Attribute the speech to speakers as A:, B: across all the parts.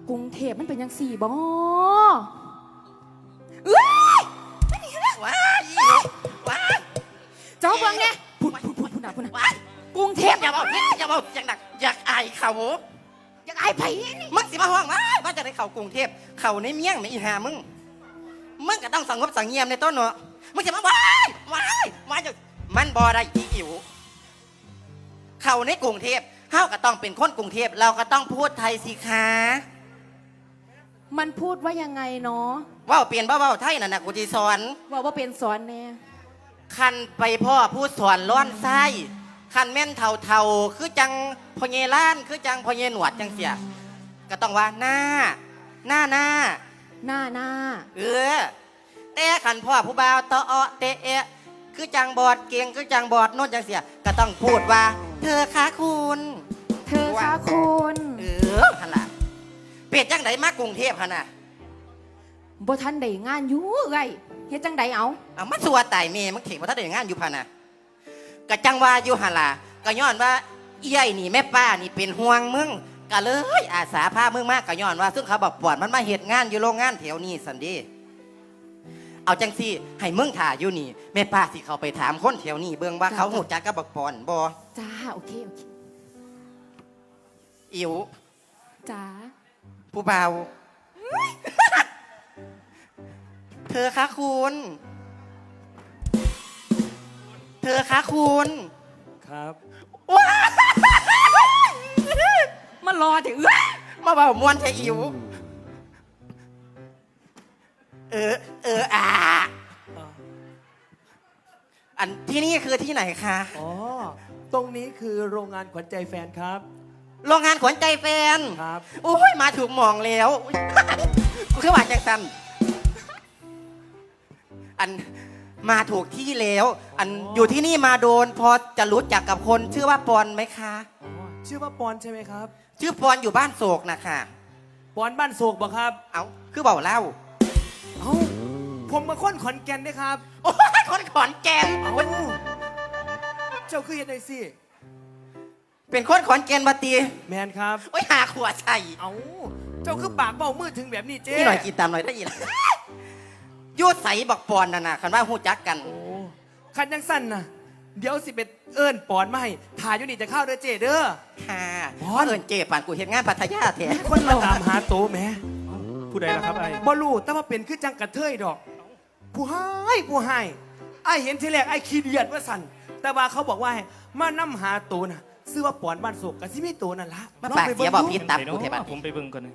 A: กรุงเทพมันเป็นยังสี่บ่
B: ว้ายว้าย
A: เจ้าเบิ่งไงพูดนะ
B: ว้าย
A: กรุงเทพ
B: อย่าบอกอย่างหนักอยากอายเขา
A: อยากอายไผนี่
B: มึงสิมาห้องว่าจะได้เข้ากรุงเทพเข้าในเมียงไม่อีหามึงก็ต้องสงบสังเงียมในต้นเนาะมึงจะมาว้ายจะมันบ่ได้อีอิ๋วเข้าในกรุงเทพเฮาก็ต้องเป็นคนกรุงเทพเราก็ต้องพูดไทยสิคะ
A: มันพูดว่ายังไงเนาะ
B: ว่าเปลี่ยนเบ้าไทยน่ะกูจีสอน
A: ว่าเป็นสอนแน่
B: คันไปพ่อพูดสอนร้อนไส้คันแม่นเท่าคือจังพญล้านคือจังพญหนวดจังเสียก็ต้องว่าหน้าแต่คันพ่อผู้บ่าวตอเตะคือจังบอดเก่งคือจังบอดโน่นจังเสียก็ต้องพูดว่าเธอคะคุณฮันล่ะเปลี่ยนจังไดมากรุงเทพฮันน่ะ
A: บ่ทันได้งานอยู่ไงเฮ็ดจังไดเอา
B: มันสัวตายเมย์มันเถียงว่าถ้าได้งานอยู่พันน่ะก็จังว่าอยู่ฮันล่ะก็ย้อนว่าเอี้ยนี่แม่ป้านี่เป็นห่วงมึงก็เลยอาสาพามึงมากก็ย้อนว่าซึ่งเขาบอกปวดมันมาเฮ็ดงานอยู่โรงงานแถวนี้สันดีเอาจังสิให้มึงถ่าอยู่นี่แม่ป้าสิเขาไปถามคนแถวนี้เบิ่งว่าเขาหูจักกับบักปอนบ่
A: จ้าโอเค
B: อิ๋ว
A: จ้า
B: ผู้บ่าวเธอคะคุณ
C: ครับ
B: ว้า
A: มันรอถึง
B: มาเบามวนใช่อิ๋วอันที่นี่คือที่ไหนคะ
C: อ๋อตรงนี้คือโรงงานขวัญใจแฟนครับ
B: โรงงานขวัญใจแฟน
C: ครับ
B: โอ้ยมาถูกมองแล้วกูคือว่าจังสันอันมาถูกที่แล้วอันอยู่ที่นี่มาโดนพอจะรู้จักกับคนชื่อว่าปอนไหมคะ
C: ชื่อว่าปอนใช่ไหมครับ
B: ชื่อปอนอยู่บ้านโศกนะคะ
C: ปอนบ้านโศกบ่ครับ
B: เอาคือเบาเล่า
C: ผมมาค้นขอนแก่นด้วยครับ
B: โอ้ยคนขอนแก่น
C: เจ้าคือยังไงสิ
B: เป็นคนขอนแก่นบัตี
C: แมนครับ
B: โอ้ยหาขวดใส่
C: เจ้าคือปากเบ้ามือถึงแบบนี้เจ๊
B: นี่หน่อยกินตามหน่อยได้ยินยูดใสบักปอนน่ะนะคันว่าหูจักกัน
C: คันยังสั้นนะเดี๋ยวสิเป็นเอิญปอนมาให้ถ่ายอยู่นี่จะเข้าเด้อเจ๊เด้อ
B: ค่ะปอนเอิญเจ๊ปานกูเห็นงานพัทยาแท้
C: คนมาตามหาโตแม่
D: ผู้ใดล่ะครับไอ้
C: บอลูแต่ว่าเป็นคือจังกระเทยดอกผู้ให้ไอ้เห็นทีแรกไอ้ขี้เดียดว่าสั่นแต่ว่าเขาบอกว่ามานํหาโตน่ะซื้อว่าปอนบ้านโศกกับซิมิโตนั่นละ
B: มาปากเสียบอกพิษตับกูเทบั
D: นผมไปเบิ่งก่อนเลย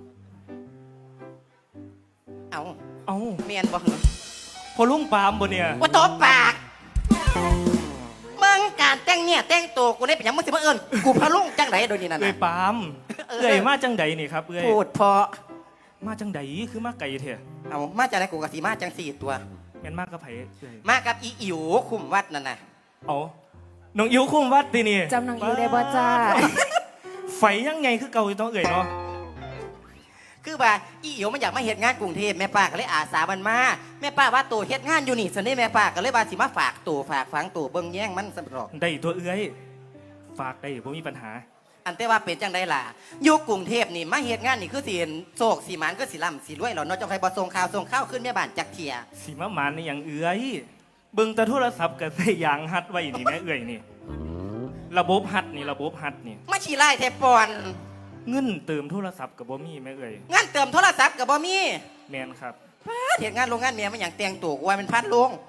B: เอาเมียนบอกเหรอ
D: พอลุงปามบ่เนี่ย
B: ว่าโตปากมึงการแต่งเนี่ยแต่งตัวกูได้เป็นยังมึงสิมาเอิญกูพะลุงจังไดโดยนี่นั่น
D: เอ้ยปามเอ้ยมาจังไดนี่ครับเอ้ย
B: พูดพอ
D: มาจังไดคือมาไก่เถอะ
B: มาจากไหนกูกับสีมาจังสี่ตัว
D: แม่นมากกับไผ่
B: มากับอีอิ๋วคุมวัดนั่นน่ะ
D: น้องอิ๋วคุมวัดตีนี่
A: จำน้องอิ๋วได้บ่จ้า
D: ไฟยังไงคือเก่าต้องเอ่ยเนาะ
B: คือว่าอีอิ๋วมันอยากมาเฮ็ดงานกรุงเทพแม่ป้าก็เลยอาสามันมาแม่ป้าว่าตัวเฮ็ดงานอยู่นี่สันนี่แม่ป้าก็เลยว่าสิมาฝากตัวฝากฝังตัวเบิ่งแย่งมันสำหรับ
D: ได้ตัวเอื้อยฝากได้บ่มีปัญหา
B: อันแต่ว่าเป็นจังได้ล่ะอยู่กรุงเทพนี่มาเฮ็ดงานนี่คือสิเห็นโศกสีมันก็สิล่ำสิรวยหรอเนาะจังไผบ่ส่งข่าวขึ้นแม่บ้านจักเทีย
D: สิมาหมานในอย่างเอื้อยเบิ่งแต่โทรศัพท์ก็ใส่ยางฮัดไว้นี่แม่เอื้อยนี่ระบบฮัดนี่
B: มาชี้ไล่แทบปอน
D: เงินเติมโทรศัพท์กับบ่มีแม่เอ่ย
B: งานเติมโทรศัพท์กับบ่มี
D: แมนครับ
B: เห็นงานโรงงานเมียมันอย่างเตียงตู่กูว่าเป็นพัดลง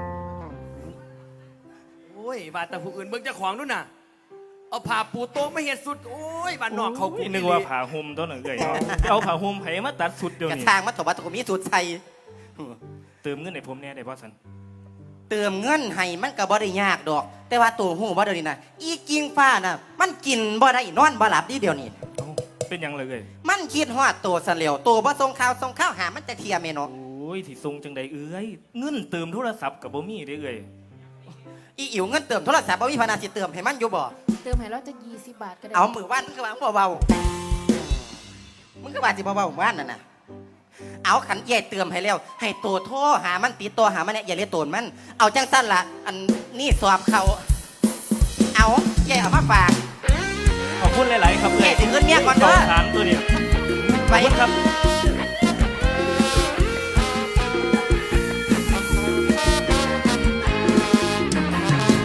C: โอ้ยบาดแต่ผู้อื่นเบิ่งเจ้าของนู่นน่ะเอาผ้าปูโต๊ะไม่เห็นสุดโอ้ยบ้านนอกเขา
D: นึกว่าผ้าห่มตัวหนึ่งเอ่ยเอาผ้าห่มไผมาตัดสุดเดียวนี่
B: กระทางมาถบว่าตัวมีสุดใส่
D: เติมเงินให้ผมแน่ได้บ่สัน
B: เติมเงินให้มันก็บ่ได้ยากดอกแต่ว่าตัวหูบ่เดี๋ยวนี้นะอีกิงฟ้าน่ะมันกินบ่ได้นอนบ่หลับดีเดียวนี้
D: เป็นยังเลย
B: มันคิดฮอดตัวเสลียวตัวบ่ส่งข่าวหามันจะเทียมเนาะ
D: โอ้ยที่ส่งจังใดเอ้ยเงินเติมโทรศัพท์กับบ่มีได้เอ้ย
B: อีอิ๋วเงินเติมโทรศัพท์บ่มีพนาสิเติมให้มันอยู่บ่
A: เติมให้เราจะ20 บาทก็ได้
B: เอามือว่านมึงก็ว่าเบามึงก็ว่าสิเบาๆว่านนั่นน่ะเอาขันใหญ่เติมให้แล้วให้ตัวโทรหามันติดตัวหามันเนี่ยอย่าเรียกตัวมันเอาจังสั้นละอันนี่สอบเขาเอาใหญ่เอามาฝาก
D: ขอบคุณหลายๆครับ
B: ใหญ่ถึงเงินเมียก่อนเด้อ
D: ถามตัวนี้
B: ไป
D: ขอบคุณครับ